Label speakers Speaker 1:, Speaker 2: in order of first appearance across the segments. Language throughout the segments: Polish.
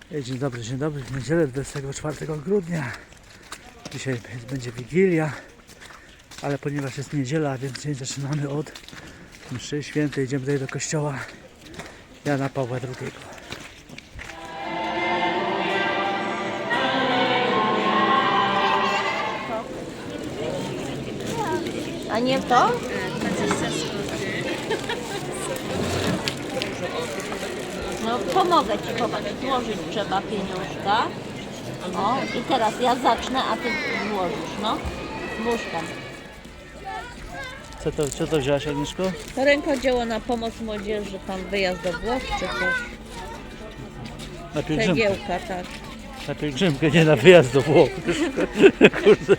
Speaker 1: Dzień dobry, w niedzielę 24 grudnia. Dzisiaj będzie Wigilia, ale ponieważ jest niedziela, więc dzień zaczynamy od mszy świętej. Idziemy tutaj do kościoła Jana Pawła II.
Speaker 2: A nie to?
Speaker 3: 20 zł.
Speaker 2: No pomogę Ci, popatrz, złożyć trzeba pieniążka. O, i teraz ja zacznę, a Ty włożysz, no. Włóż tam.
Speaker 1: Co to wzięłaś, Agnieszko?
Speaker 2: To rękodzieło na pomoc młodzieży, tam wyjazd do Włoch czy coś.
Speaker 1: Na pielgrzymkę.
Speaker 2: Cegiełka, tak.
Speaker 1: Na pielgrzymkę, nie na wyjazd do Włoch. Kurde.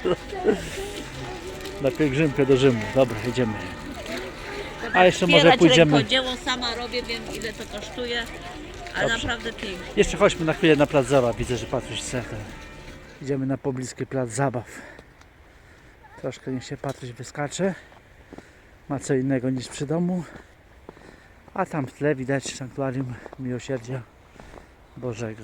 Speaker 1: Na pielgrzymkę do Rzymu. Dobra, jedziemy. A jeszcze może
Speaker 2: Wspierać
Speaker 1: pójdziemy.
Speaker 2: rękodzieło, sama robię, wiem ile to kosztuje, ale naprawdę pięknie.
Speaker 1: Jeszcze chodźmy na chwilę na plac zabaw. Widzę, że Patryś chce. Idziemy na pobliski plac zabaw. Troszkę niech się Patryś wyskacze. Ma co innego niż przy domu. A tam w tle widać sanktuarium Miłosierdzia Bożego.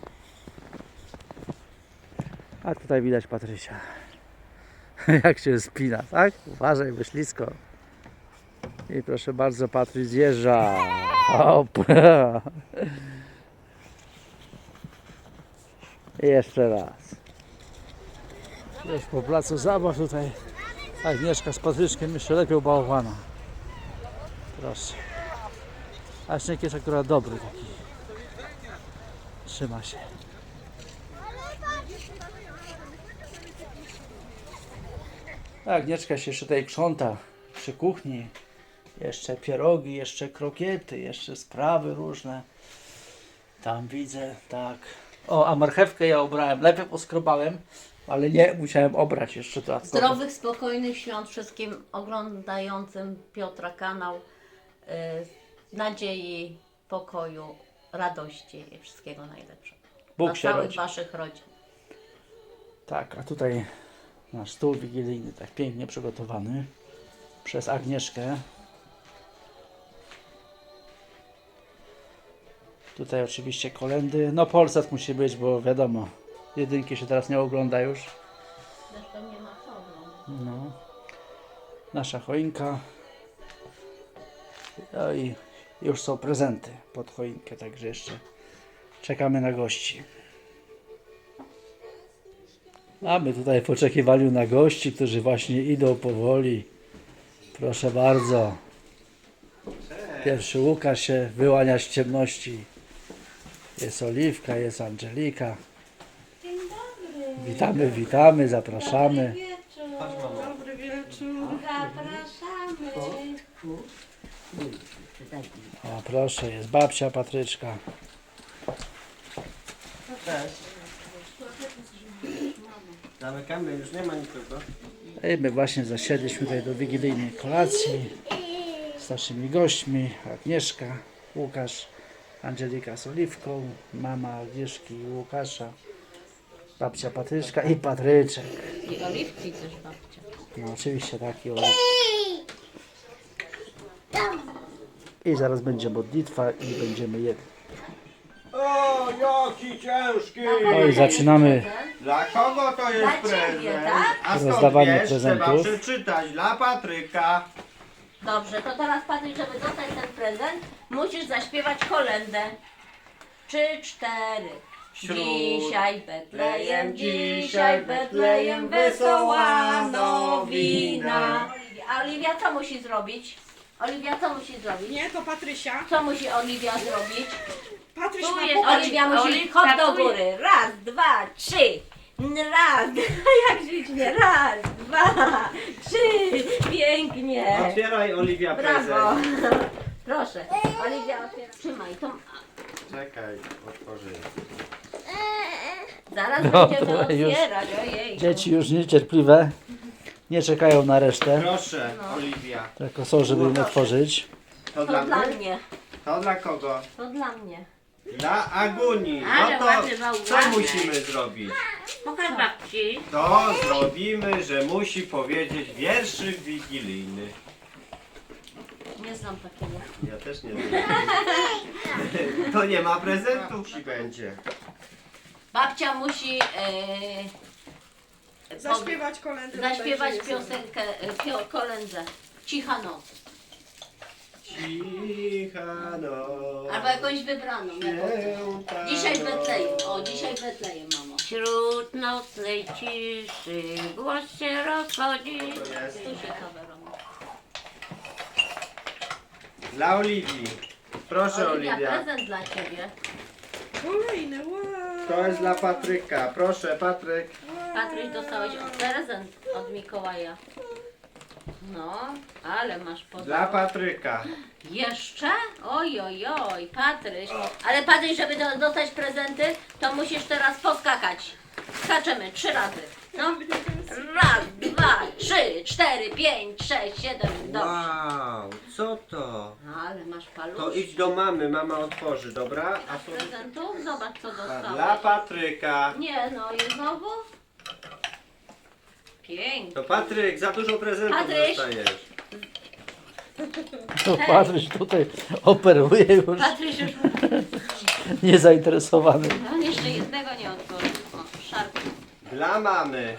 Speaker 1: A tutaj widać Patrysia. Jak się spina, tak? Uważaj, bo ślisko. I proszę bardzo, Patryś zjeżdża. Hop. I jeszcze raz. Już po placu zabaw tutaj Agnieszka z Patryczkiem jeszcze lepiej bałwana. Proszę. A śnieg jest akurat dobry taki. Trzyma się. Agnieszka się jeszcze tutaj krząta przy kuchni. Jeszcze pierogi, jeszcze krokiety, jeszcze sprawy różne. Tam widzę, tak. O, a marchewkę ja obrałem. Najpierw oskrobałem, ale nie, musiałem obrać jeszcze to.
Speaker 2: Zdrowych, spokojnych świąt wszystkim oglądającym Piotra kanał. Nadziei, pokoju, radości i wszystkiego najlepszego.
Speaker 1: Bóg
Speaker 2: Dla
Speaker 1: się
Speaker 2: całych
Speaker 1: rodzi.
Speaker 2: Waszych rodzin.
Speaker 1: Tak, a tutaj nasz stół wigilijny, tak pięknie przygotowany przez Agnieszkę. Tutaj oczywiście kolędy. No Polsat musi być, bo wiadomo, jedynki się teraz nie ogląda już.
Speaker 2: Zresztą nie ma co oglądać.
Speaker 1: No. Nasza choinka. No i już są prezenty pod choinkę, także jeszcze czekamy na gości. A my tutaj w oczekiwaniu na gości, którzy właśnie idą powoli. Proszę bardzo. Pierwszy Łukasz się wyłania z ciemności. Jest Oliwka, jest Angelika.
Speaker 3: Dzień dobry.
Speaker 1: Witamy, zapraszamy.
Speaker 3: Dobry wieczór. Zapraszamy.
Speaker 1: O, proszę, jest babcia Patryczka.
Speaker 4: Zamykamy, już nie ma nikogo.
Speaker 1: I my właśnie zasiedliśmy tutaj do wigilijnej kolacji z naszymi gośćmi. Agnieszka, Łukasz, Angelika z Oliwką, mama Agnieszki i Łukasza, babcia Patryczka i Patryczek.
Speaker 2: I oliwki też babcia.
Speaker 1: No oczywiście taki Oliwki. I zaraz będzie modlitwa i będziemy jedli.
Speaker 4: O, jaki ciężki!
Speaker 1: No i zaczynamy.
Speaker 4: Dla kogo to jest
Speaker 2: Dla ciebie,
Speaker 4: prezent?
Speaker 2: tak?
Speaker 4: A skąd
Speaker 1: Rozdawanie
Speaker 4: wiesz? Trzeba
Speaker 1: prezentów.
Speaker 4: przeczytać. Dla Patryka.
Speaker 2: Dobrze, to teraz Patryk, żeby dostać ten prezent, musisz zaśpiewać kolędę. 3, 4. Dzisiaj Betlejem, wesoła nowina. A Oliwia co musi zrobić? Oliwia co musi zrobić?
Speaker 3: Nie, to Patrysia.
Speaker 2: Co musi Oliwia zrobić?
Speaker 3: Patryś
Speaker 2: Tu
Speaker 3: ma
Speaker 2: jest
Speaker 3: popatrz.
Speaker 2: Oliwia, musi hop do góry. Raz, dwa, trzy. Raz, jak ślicznie. Raz, dwa, trzy. Pięknie.
Speaker 4: Otwieraj, Oliwia,
Speaker 2: Brawo.
Speaker 4: prezent.
Speaker 2: Proszę, Oliwia otwiera. Trzymaj, to
Speaker 4: Czekaj, otworzy.
Speaker 2: zaraz
Speaker 1: Dobra,
Speaker 2: będziemy
Speaker 1: już.
Speaker 2: otwierać, ojej.
Speaker 1: Dzieci już niecierpliwe, nie czekają na resztę,
Speaker 4: Proszę, Oliwia.
Speaker 1: tylko są, żeby im otworzyć.
Speaker 4: To
Speaker 2: To
Speaker 4: dla
Speaker 2: dla
Speaker 4: mnie?
Speaker 2: mnie,
Speaker 4: To dla kogo?
Speaker 2: to dla mnie.
Speaker 4: Dla Aguni.
Speaker 2: Ale
Speaker 4: No to
Speaker 2: ładny bałwanek.
Speaker 4: co musimy zrobić?
Speaker 2: Pokaż babci.
Speaker 4: To zrobimy, że musi powiedzieć wierszyk wigilijny.
Speaker 2: Nie znam takiego.
Speaker 4: Ja też nie wiem. To nie ma prezentów ci będzie.
Speaker 2: Babcia musi
Speaker 3: Zaśpiewać kolędę.
Speaker 2: zaśpiewać
Speaker 3: bodajże jest.
Speaker 2: piosenkę, kolędę. Cicha noc.
Speaker 4: Cicha noc.
Speaker 2: Albo jakąś wybraną.
Speaker 4: Święta
Speaker 2: Dzisiaj
Speaker 4: noc.
Speaker 2: Betlejem. O, dzisiaj Betlejem, mamo. Wśród nocnej ciszy głos się rozchodzi.
Speaker 4: To jest
Speaker 2: Tu się kamerą.
Speaker 4: dla Oliwii. Proszę,
Speaker 2: Oliwia,
Speaker 4: Oliwia.
Speaker 2: prezent dla ciebie.
Speaker 3: Kolejny, wow.
Speaker 4: To jest dla Patryka. Proszę, Patryk.
Speaker 2: Patryś, dostałeś prezent od Mikołaja. No, ale masz
Speaker 4: Dla
Speaker 2: podobno.
Speaker 4: Patryka.
Speaker 2: Jeszcze? Oj, oj, oj, Patryś. Ale Patryś, żeby dostać prezenty, to musisz teraz poskakać. Skaczemy 3 razy. No. Raz, 2, 3, 4, 5, 6, 7. Dobrze.
Speaker 4: Wow, co to?
Speaker 2: Ale masz
Speaker 4: To
Speaker 2: palusz.
Speaker 4: idź do mamy, mama otworzy, dobra?
Speaker 2: A z prezentów? Zobacz, co
Speaker 4: Dla
Speaker 2: dostałeś.
Speaker 4: Patryka.
Speaker 2: Nie, no i znowu? Pięknie.
Speaker 4: To Patryk, za dużo prezentów
Speaker 2: Patryś.
Speaker 4: dostajesz.
Speaker 1: To Patryś tutaj operuje już,
Speaker 2: Patryś już...
Speaker 1: niezainteresowany.
Speaker 2: On jeszcze jednego nie otworzył. O, szarpie.
Speaker 4: Dla mamy.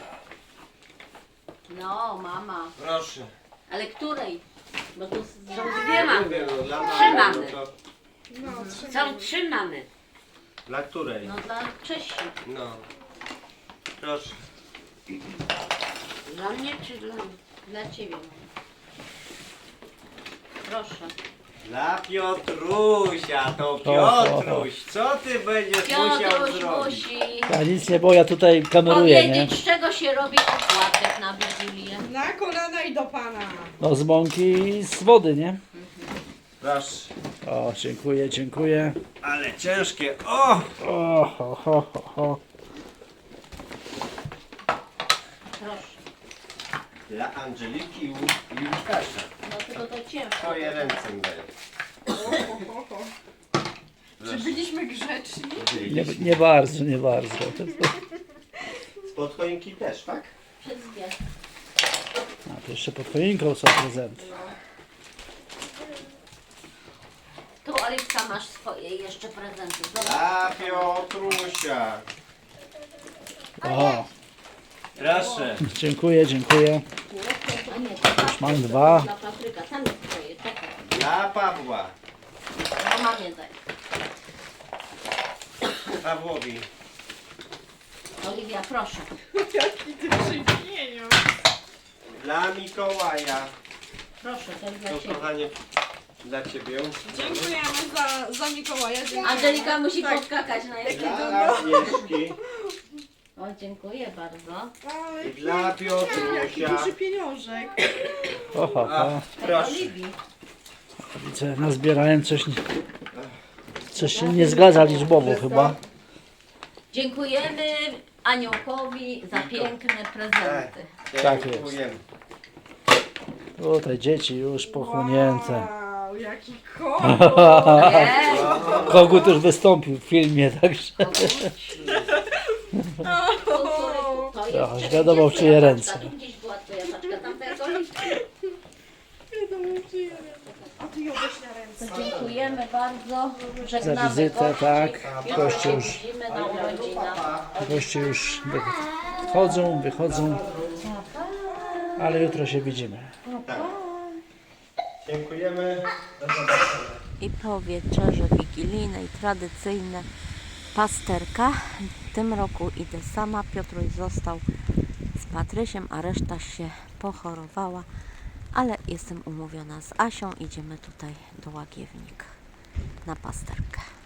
Speaker 2: No, mama.
Speaker 4: Proszę.
Speaker 2: Ale której? Bo tu są dwie mamy.
Speaker 4: Mówię, no, dla
Speaker 2: Trzy
Speaker 4: mamy.
Speaker 2: mamy.
Speaker 4: No to
Speaker 3: No,
Speaker 2: Są 3 mamy.
Speaker 4: dla której?
Speaker 2: No dla Czesi.
Speaker 4: No. Proszę.
Speaker 2: Dla mnie czy dla mnie? Dla ciebie. Proszę.
Speaker 4: Dla Piotrusia, to Piotruś. Co ty będziesz musiał
Speaker 2: Piotruś
Speaker 4: zrobić?
Speaker 2: musi
Speaker 1: Ja nic nie, bo ja tutaj kameruję, nie?
Speaker 2: powiedzieć, z czego się robi opłatek na Wigilię.
Speaker 3: na kolana i do pana.
Speaker 1: No z mąki i z wody, nie?
Speaker 4: Proszę.
Speaker 1: O, dziękuję, dziękuję.
Speaker 4: Ale ciężkie. O!
Speaker 1: O, ho, ho, ho, ho.
Speaker 2: Proszę.
Speaker 4: Dla Angeliki i Łukasza.
Speaker 2: No tylko to ciężko.
Speaker 4: Twoje ręce mi dają.
Speaker 3: Czy byliśmy grzeczni?
Speaker 1: Nie bardzo, nie bardzo.
Speaker 4: Spod choinki też, tak?
Speaker 2: Wszystkie.
Speaker 1: A to jeszcze pod choinką są prezenty.
Speaker 2: Tu Oliwka masz swoje jeszcze prezenty. Zobacz.
Speaker 4: Dla Piotrusia.
Speaker 1: O,
Speaker 4: Proszę.
Speaker 1: dziękuję, dziękuję.
Speaker 2: A nie, to
Speaker 1: Już mam 2.
Speaker 2: dla Patryka. Tam jest twoje. Czekaj.
Speaker 4: Dla Pawła.
Speaker 2: No mamie daj.
Speaker 4: Pawłowi.
Speaker 2: Oliwia, proszę.
Speaker 3: Jaki ty przypieniądz.
Speaker 4: Dla Mikołaja.
Speaker 2: Proszę, to jest
Speaker 4: To
Speaker 2: dla ciebie.
Speaker 4: kochanie dla ciebie.
Speaker 3: Dziękujemy za Mikołaja. Dziękujemy.
Speaker 2: Angelika musi
Speaker 3: Tak.
Speaker 2: podskakać na jakiś.
Speaker 4: Dla Agnieszki.
Speaker 2: O, dziękuję bardzo.
Speaker 3: Ale
Speaker 4: I dla
Speaker 3: jaki
Speaker 4: Piotrusia.
Speaker 3: duży pieniążek.
Speaker 1: O, ho, ho.
Speaker 4: Proszę.
Speaker 2: Oliwii.
Speaker 1: Widzę, nazbierałem coś się nie zgadza liczbowo chyba.
Speaker 2: Dziękujemy Aniołkowi za piękne prezenty.
Speaker 1: Tak jest.
Speaker 4: Dziękujemy.
Speaker 1: Tutaj dzieci już pochłonięte.
Speaker 3: Wow, jaki kot.
Speaker 2: Nie,
Speaker 1: Kogut już wystąpił w filmie, także
Speaker 2: to
Speaker 1: Aż wiadomo, w czyje ręce.
Speaker 2: Tu gdzieś była twoja paczka, tam tego liczba.
Speaker 3: A ty ją weź na ręce.
Speaker 2: Dziękujemy bardzo.
Speaker 1: za
Speaker 2: Żegnamy
Speaker 1: wizytę,
Speaker 2: gości.
Speaker 1: tak.
Speaker 2: Jutro
Speaker 1: Goście
Speaker 2: się
Speaker 1: już,
Speaker 2: widzimy na urodzinach.
Speaker 1: goście już wychodzą, ale jutro się widzimy.
Speaker 4: Dziękujemy.
Speaker 2: I po wieczerze wigilijnej, tradycyjne pasterka. W tym roku idę sama. Piotruś został z Patrysiem, a reszta się pochorowała. Ale jestem umówiona z Asią. Idziemy tutaj do Łagiewnik na pasterkę.